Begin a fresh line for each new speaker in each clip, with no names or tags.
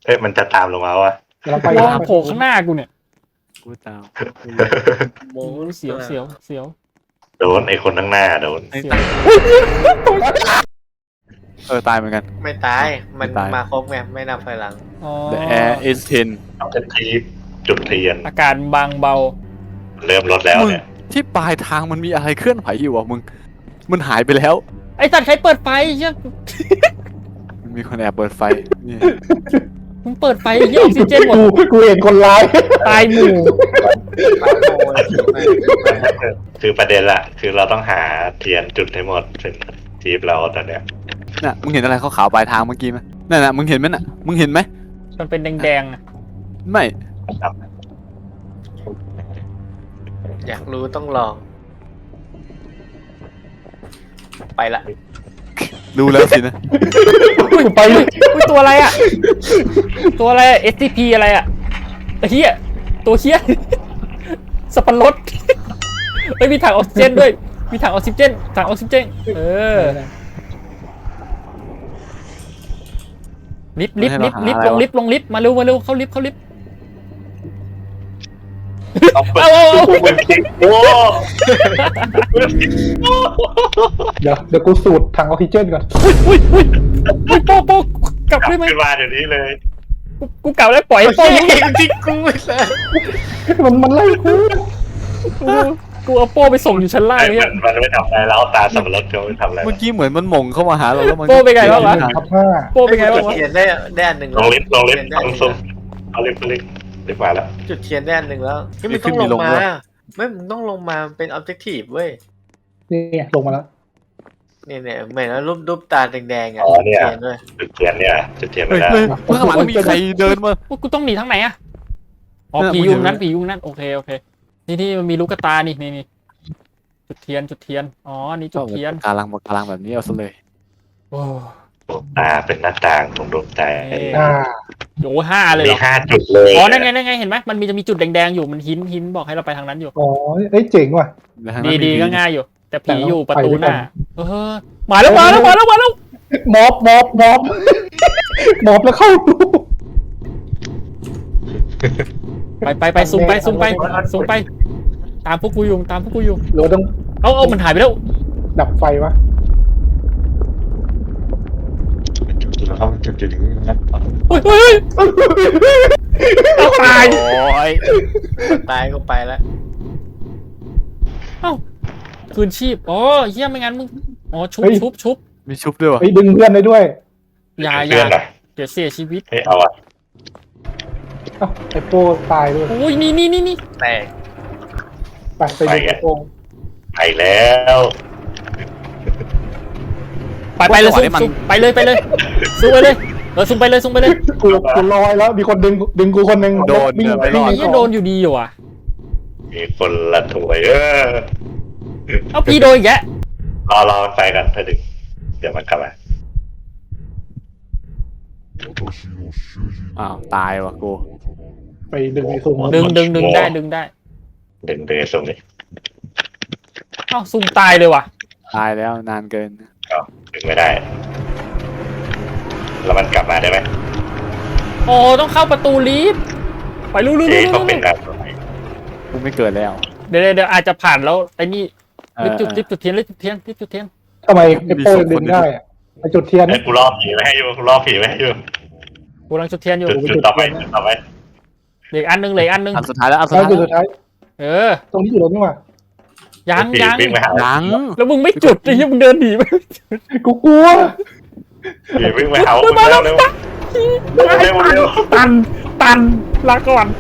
ฮ้ยมันจะตามลงมาวะ
เราไป
วงโผล่ข้างหน้ากูเนี่ย
กูตาม
โอ้ยเสียวเสียวเสียว
โดนไอ้คนข้างหน้าโดน
เสียว
ตายเหมือนกัน
ไม่ตายมัน
ไม่ตาย
มาครบไงไม่นับถอยหลัง
อ๋อ
The air is
เอาเป็นทีจุดเทียน
อากาศบางเบา
เริ่มลดแล้ว
10มึง
เนี่ย
ที่ปลายทางมันมีอะไรเคลื่อนไหวอยู่อ่ะมึงมันหายไปแล้ว
ไอ้สัตว์ใครเปิดไฟเชี่ย
มันมีคนแอบเปิดไฟนี่
มึงเปิดไฟเยี่ยออกซิเจนหมด
กูเห็นคนร้าย
ตายหมู่
คือประเด็นละคือเราต้องหาเทียนจุดให้หมดเป็นทีมเราตอนเนี้ย
น่ะมึงเห็นอะไรขาวๆปลายทางเมื่อกี้ไหมนั่นน่ะมึงเห็นไหมน่ะมึงเห็นไหม
มันเป็นแดงๆอะ
ไม่
อยากรู้ต้องลอง ไปละ
รู้แล้วสินะ
อุ้ยไปเลยอุ้ยตัวอะไรอะตัวอะไรอะ SCP อะไรอะไอ้เหี้ยตัวเหี้ยสับปะรดเฮ้ยมีถังออกซิเจนด้วยมีถังออกซิเจนถังออกซิเจนลิฟต์ลงลิฟต์มาเร็วเข้าลิฟต์เอา
โอ้
เดี๋ยวกูสูดถังออกซิเจนก่อน
อุ้ยโป๊ะกลับ
กลับ
ได้ไหม
ขึ้นมาเดี๋ยวนี้เลย
กูกลับแล้วปล่อยโป๊ะยัง
ทิ้งกูเลย
มันไล่กู
กูเอาโป้ไปส่งอยู่ชั้นล่าง
ไอ้
เนี่ย
มันไม่ทำอะไรแล้วตาสับปะรดเขาไม่ทำอะไร
เมื่อกี้เหมือนมันหม่งเข้ามาหาเราแล้วมัน
โป้เป็นไงบ้างวะ
ทับห้า
โป้เป็นไงบ้างวะ
จุดเทียนได้อันหนึ่ง
ลงลิฟต์
จุด
ต้
เทียนได้
อง
อันหนึ่ง
ซุ่มเอาลิฟต์มาแล้ว
จุดเทียนได้อันหนึ่งแล้วไม่มึงต้องลงมาไม่มึงต้องลงมาเป็นออบเจกตีฟเว้ย
นี่ลงมาแล้ว
เนี่ยเหมือนแล้วรูปตาแดงๆอ่ะ
อ๋อเนี่ย
เทียนด้วย
จุดเทียนเนี่ยจุดเทียน
เฮ้
ไม่
ย
ได้
เฮ้ยข้างหลังมีใครเดินมา
กูต้องหนีทางไหนอะอ๋อ
เนี่ย
ผียุงนั้น
มึงเห็นไหม
ผียุงนั้นโอเคนี่มันมีลูกตานี่จุดเทียนอ๋อนี่จุดเทียน
กาลังแบบนี้เอาซะเลย
โอ้
ดวงตาเป็นหน้าต่างของดวงใจ
อ่า
โห5เลย
มี
เหรอ
5 จุดเลย
อ๋อนั่นไงเห็นไหมมันจะมีจุดแดงๆอยู่มันหินบอกให้เราไปทางนั้นอยู่
อ๋อเอ้ยเจ๋งว่ะ
แล้วทางนั้น
ดี
มี
ก็ง่ายอยู่ แต่ผี
แต่เรา
อยู่ประตู
ไปด้วย
ห
กัน
น้ามาแล้ว
ม็อบแล้วเข้าดู
ไปซูมไปตามพวกกูอยู่
หรือว่าต้อง
เอามันหายไปแล้ว
ดับไฟวะ
เราจุดถึงนั้น
เฮ้ยเอาตาย
โอ้ย
ตายก็ไปแล้ว
คืนชีพอ๋อเฮียไม่งั้นมึงอ๋อชุบ
มีชุบด้วยวะ
เฮ้ยดึงเพื่อนได้ด้วย
อย่า
เพื่อนหน่อย
เดี๋ยวเสียชีวิต
เฮ้ยเอาอะ
เอ้าไอโป้ตายด้วย
โอ้ยนี่
แตก
ไปดูไอโป้
ไปแล้ว
ไปเลยซูมไปเลยซูมไปเลยซูมไปเลย
กูลอยแล้วมีคนดึงกูคนหนึ่ง
โดน
วิ่ง
เนี่ยไม่รอด
เฮียโดนอยู่ดีอยู่อ่ะ
มีคนละถวย
เอาพี่โดนอีกแก
รอมันไปกันถ้าดึงเดี๋ยวมันกลับมา
อ้าวตายว่ะกู
ไปดึงไอซูม
ดึงได้
ดึงไอ้ส่งนี่
เอ้าซูมตายเลยว่ะ
ตายแล้วนานเกิน
ดึงไม่ได้ แล้วมันกลับมาได้ไหม
โอ้ต้องเข้าประตูลิฟต์ไปรู้
เอ๊ะต้องเป็นการ
กูไม่เกิดแล้ว
เดี๋ยวอาจจะผ่านแล้วไอ้นี่ลิฟต์จุดเทียน
ทำไมไอโป้ดึงได้อะไอจุดเทียน
ไอ้กูรอผีไว้ให้อยู่กูรอผีไว้ให้อยู่
กูกำลังจุดเทียนอยู่
จุดต่อไป
เหลืออันนึง
อันสุดท้ายแล้วอันสุด
แล้ว
ท้าย
จุดสุดท้าย
ต
รงนี้อยู่แล้วนี่หว่า
ยัง
วิ่งไปหา
ยัง
แล้วมึงไม่จุดไอ้เหี้ยมึงเดินหนีไป
กูกลัว
ผีวิ่งไปหา
มาแล้ว
เร็ว
ตันลาก่อน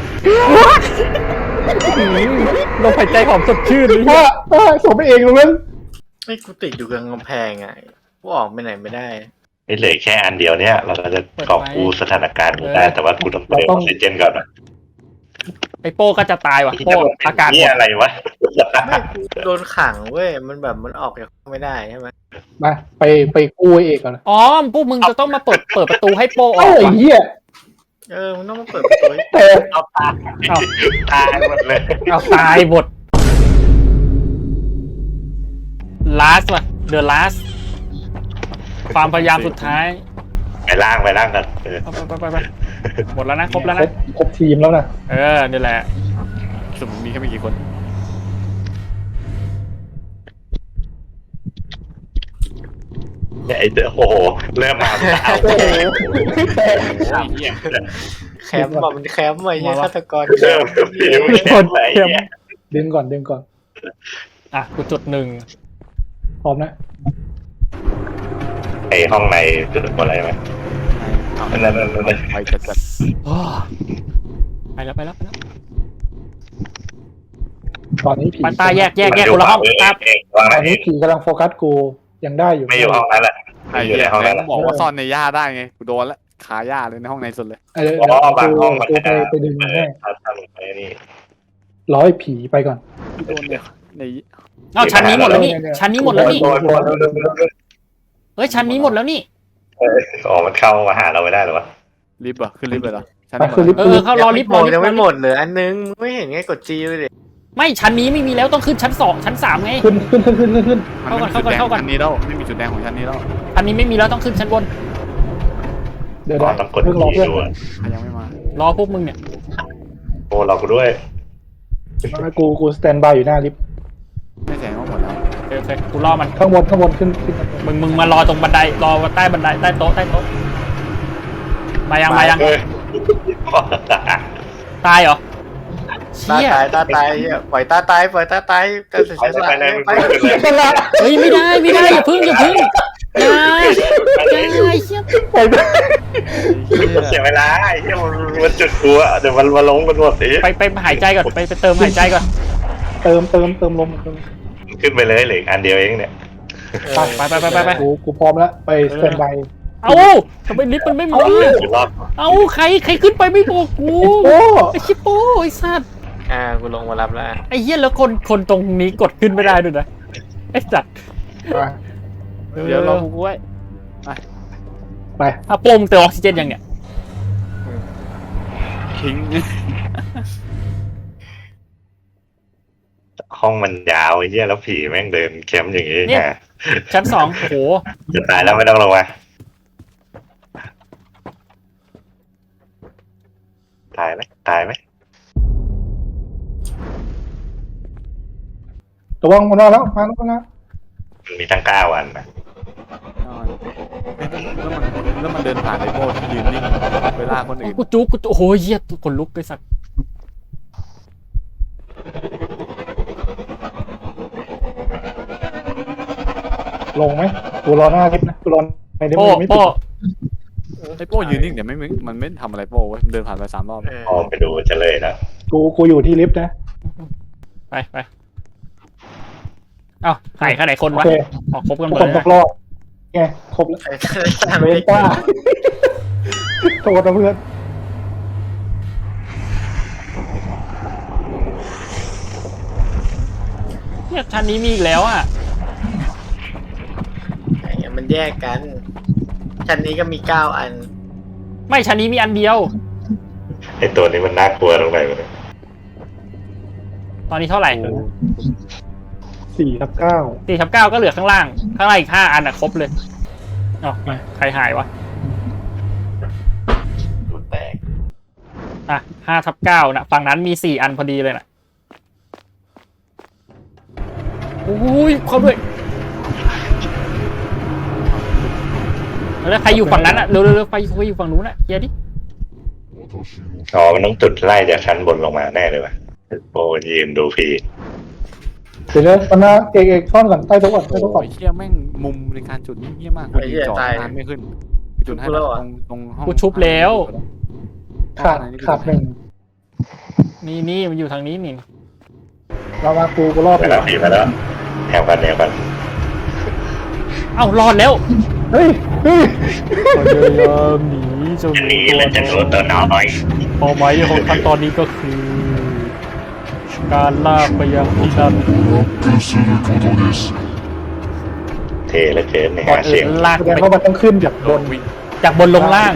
ลมหายใจหอมสดชื่น
ว่าส่งไปเองตรงนั้น
ไอ้กูติดอยู่กับกำแพงอ่ะกูออกไปไหนไม่ได้
ไอ้เหลือแค่อันเดียวเนี้ยเราจะกอบกูสถานการณ์ได้แต่ว่ากูต้องเติมออกซิเจนก่อนนะ
ไอ้โป้ก็จะตายว่ะโป้อากาศหม
นี่
ด
อะไรวะ
ไม่กูโดนขังเว้ยมันแบบมันออกจากไม่ได้ใช่ไหม
มาไปกู้ไอเอกก่อนนะ
อ๋อพวกมึงจะต้องมาเปิดประตูให้โป้อ
เอ้า
อก
ไอ้เหี้ย
มันต้องมาเปิดประตูให้
แต่
เอาตายตายหมดเลย
เอาตายหมด last ว่ะ the last ความพยายามสุดท้าย
ไปล่างกัน
ไปหมดแล้วนะครบแล้ว
คร
นะ
บครบทีมแล้วนะ
นี่แหละ
สมมติมีแค่ไม่กี่คน
เนี่ยไอ้โอ้โหเริ่มมาเอา
โอ้โห
แคมป์แบบมันแคมป์ไว้เนี่ยฆาตกร
เริ่มผิวแข็งไปเนี่ย
ดึงก่อน
อ่ะกูจุด1
พร้อมนะ
ไอ้ห้องในจุดอะไรไหมนั่น
ไปจัด
ไปแล้ว
ตอนนี้ผี
มันตาแยกคนละห้องครับ
วาง
ต
ไหน
อนนี้ผีกำลังโฟกัสกูยังได้อยู่
ไม่อยู่ห้องนั้นแหละ
ไอ้
อยู่
เหี้
ใน
ย
ห้อง
แม่
นั้น
งบอกว่าซ่อนในหญ้าได้ไงกูโดนละขาหญ้าเลยในห้องในสุดเลย
เดี๋ยว
บางห้องมัน
กูไปดึงมาให้
ทำไปนี่
ร้อยผีไปก่อน
โดนเนี่ยใน
เอาชั้นนี้หมดแล้วนี่
เนี่ย
ชั้นนี้หมดแล้วนี่
โดน
เฮ้ยชั้นนี้หมดแล้วนี่
อ๋อมันเข้ามาหาเราไม่ได้หรอวะ
ลิฟต์เหรอขึ้นลิฟต์เลยเหรอชั้น
ไป
นี้หม
คือ
ด
ลิฟต์
เขารอลิฟต์
ยังไม่หมดเหลืออันนึงไม่เห็นไงกดจีเลยดิ
ไม่ชั้นนี้ไม่มีแล้วต้องขึ้นชั้น2ชั้น3ไง
ขึ้น
มันไม่มีจุดแดง
เข้าก่อน
ชั้นนี้แล้วไม่มีจุดแดงของชั้นนี้แล้ว
ชั้นนี้ไม่มีแล้วต้องขึ้นชั้นบน
เดี๋ยว
ต้องกด
เพิ่งรอ
ที
เพื่อน
ด้วย
ใครยังไม่มาร
อพวกมึงเนี่ย
โอ้เรากูด้วย
กูสแตนบายอยู่หน้าลิฟต์
ไม่แสดงว่าหมดแล้ว
โอเคกูรอมัน
ข้างบนขึ้น
มึงมารอตรงบันไดรอใต้บันไดใต้โต๊ะมายังตายเหรอ
ตา
เชี่ย
ตายปล่อยตาตายกันเสียสละไป
เฮ้ยไม่ได้อย่าพึ่งอย่าเชี่ย
ไปไป
เสียเวลาไอ้เหี้ยมันจุดกูอะเดี๋ยวมันมาลงกันหมดสิ
ไปหายใจก่อนไปเติมหายใจก่อน
เติมลม
ขึ้นไปเลยเหลืออันเดียวเองเนี่ย
ไป
กูพร้อมแล้วไปสแตนบาย
เอ้าทำไมลิฟต์มันไม่มา
อยู่รอบ
เอ้าใครขึ้นไปไม่บอกกู
โอ้
ไอ้ชิปโป้ไอ้สัตว์
กูลงมารับแล้ว
ไอ้เหี้ยแล้วคนตรงนี้กดขึ้นไม่ได้ด้วยนะไอ้สัตว์
เดี๋ยวรอกูไว้
ไป
โป้มเติมออกซิเจนยังเนี่ย
ทิ้ง
ห้องมันยาวไอ้เหี้ยแล้วผีแม่งเดินแคมป์อย่างงี้ฮะ
ชั้น2โอ้โห
จะตายแล้วไม่ต้องลงมาตายไหม
ระวังมันมาแล้วมาแล้ว
มันมีตั้ง9 วันนะ
แล้วมันเดินผ่านไอ้โบ้ที่ยืนนิ่งเวลาคนอื่น
กูจุกโอ้โหเหี้ยคนลุกไอ้สัตว์
ลงไหมกูรอหน้าลิฟต์นะกูรอในลิฟต์
โป้
ไม่ติด
ไอ้โป้ยืนนิ่งเดี๋ยวมันไม่ทำอะไรโป้เว้ยมันเดินผ่านไป3 รอบ
ออกไปดูจะเลยนะ
กูอยู่ที่ลิฟต์นะ
ไปเอ้าหายแค่ไหนคน
โอ
วะ
เค
ออกครบกันห
ทุ
ม
ก
ด
คน
เลย
ตกรอบไงครบแล้วเวนต้าโทษนะเพื่อน
เนี่ยชั้นนี้มีอีกแล้วอ่ะ
มันแยกกันชั้นนี้ก็มี9 อัน
ไม่ชั้นนี้มีอันเดียว
ไอ้ตัวนี้มันน่ากลัวตรงไหนวะเนี่ย
ตอนนี้เท่าไหร่
4/9
4/9ก็เหลือข้างล่างอีก5 อันอ่ะครบเลยอ๋อใครหายวะ
ดูแตก
อ่ะ5/9นะฝั่งนั้นมี4 อันพอดีเลยน่ะโอ้ยเข้าด้วยแล้วใครอยู่ฝั่งนั้นอ่ะเร็วไปอยู่ฝั่งนู้นอ่ะเกียร์ดิ
อ๋อมันต้องจุดไล่จากชั้นบนลงมาแน่เลยวะโอ้ยืนดูผี
เดี๋ยวมันนะเอกซ่อนก่อนใต้โต๊ะก่อนใต้โต๊ะก่อน
โอ้ยเชี่ยแม่งมุมในการจุดนี่เยี่ยมากกูยิงจ่อนานไม่ขึ้นจุดให้ตรงห้อง
กูชุบแล้ว
ขาด1
นี่มันอยู่ทางนี้นี่
เรามากูรอบ
ไปแล้วผีมาแล้วแถวกัน
เอ้ารอดแล้ว
เฮ้ย
พยายามหนีจน
อันนี้มันจะโดนตัวน้อย
เป้าหมายของขั้นตอนนี้ก็คือ การลากไปยังที่นั่น
เทและเกินใน
ก่อน
หาเสี
อื่
ยง
นลาก
แส
ไป
ดงว่ามันต้องขึ้นจากบน
จากบนลงล่าง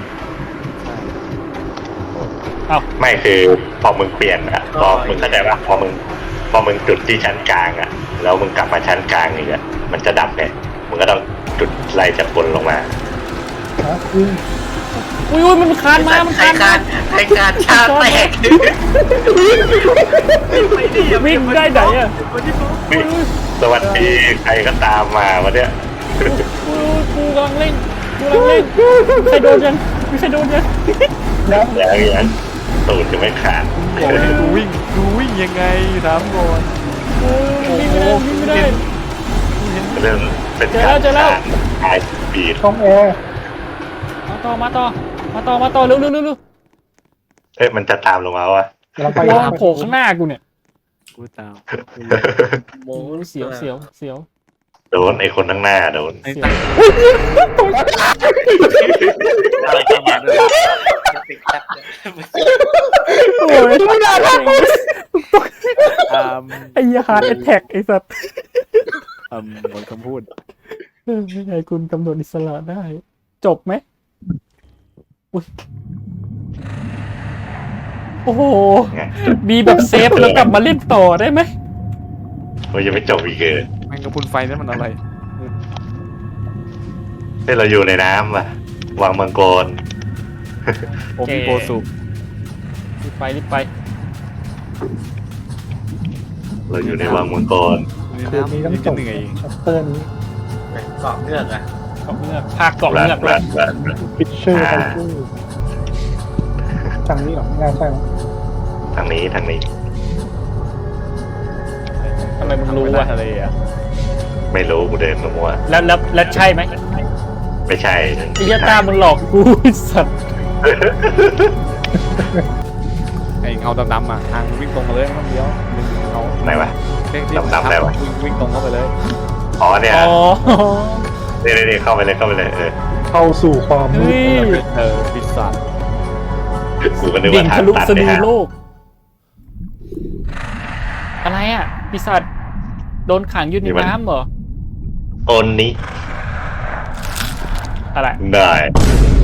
ไม่คือพอมึงเปลี่ยนอะพอมึงเข้าใจว่าพอมึงจุดที่ชั้นกลางอะแล้วมึงกลับมาชั้นกลางอีกอะมันจะดับเนี่ยมึงก็ต้องจุดไล่จากบนลงมา
นะวิ่ง
อุ้ยมันคานมามัน
ใคร
คาน
คานชาแตก
วิ่งได้ไหนอ่ะ
สวัสดีใครก็ตามมาวันเนี้ย
อุ้ยกูกำลังเล่นใครโดนยังมีใครโดนยัง
แล้ว
อย่างตูดจะไม่ขาด
บอกให้กูวิ่งยังไงถามก่อน
โอ้ยวิ่งไม่ได้
เรื่องเป็น
เจอแล้ว
ขายปีด
ช่องแอร์
มาต่อเร็ว
เอ้ยมันจะตามลงมาวะ
เราไป
วางโผล่ข้างหน้ากูเนี่ย
กูตาม
โม
โอ้ยเสียว
โดนไอ้คนข้างหน้าโดน
ไอ้ตั้ง
อะไรจะมาด้วยติดแท็บ
โอ้ยไม่ได้ ไอ้ยาฮาร์ดแอทแทกไอ้สัตว์
หมดคำพูด
ไม่ใช่คุณกำหนดอิสระได้ จบไหมอุ้ยโอ้โห
ไง
มีแบบเซฟแล้วกลับมาเล่นต่อได้ไหม
มันยังไม่จบอีกเลย
แมงกะพรุนไฟนั่นมันอะไร
ที่เราอยู่ในน้ำว่ะวางมังกร
โอมิโกสุ
รีบไป
เราอยู่ในวังมังกร
คืนนี้ต้อง
ยัง
จ
จะ
บ
เหนื่อย
ชัปเตอร์นี้
เกาะเงือกอ่ะ
เกาะเงือกภาคเกาะเงือกเลย
ฟิชเชอร์ไทเกอร์ทางนี้หรอไม่น่าใช่มั้ง
ทางนี้
ทำไมมึงรู้
ไม่ได้
วะ
ทะเลอ่ะ
ไม่รู้กูเดินมั่ว
แล้วใช่ไหม
ๆไม่ใช่
ไอ้ยาตามึงหลอกกูไอ้สัตว์
ไอ้เงาดำๆอ่ะทางวิ่งตรงมาเลยไม่ต้องเลี้ยวเงา
ไหนวะ ดำๆได้ปะ
วิ่งตรงเข้าไปเลย
อ๋อเนี่ย
อ๋อ
นี่เข้าไปเลย
เข้าสู่ความมื
เฮ้
ด
ย
ปีศาจ
กูก็นึก
ดิ่
ว่าง ทา
ทะ
ง
ลุ
ตัน
สะ
เนี่
ดื
ย
อโลก อะไรอ่ะปีศาจโดนขังอยู่ในน้ำเหรอ
โอนนี้
อะไร
ได้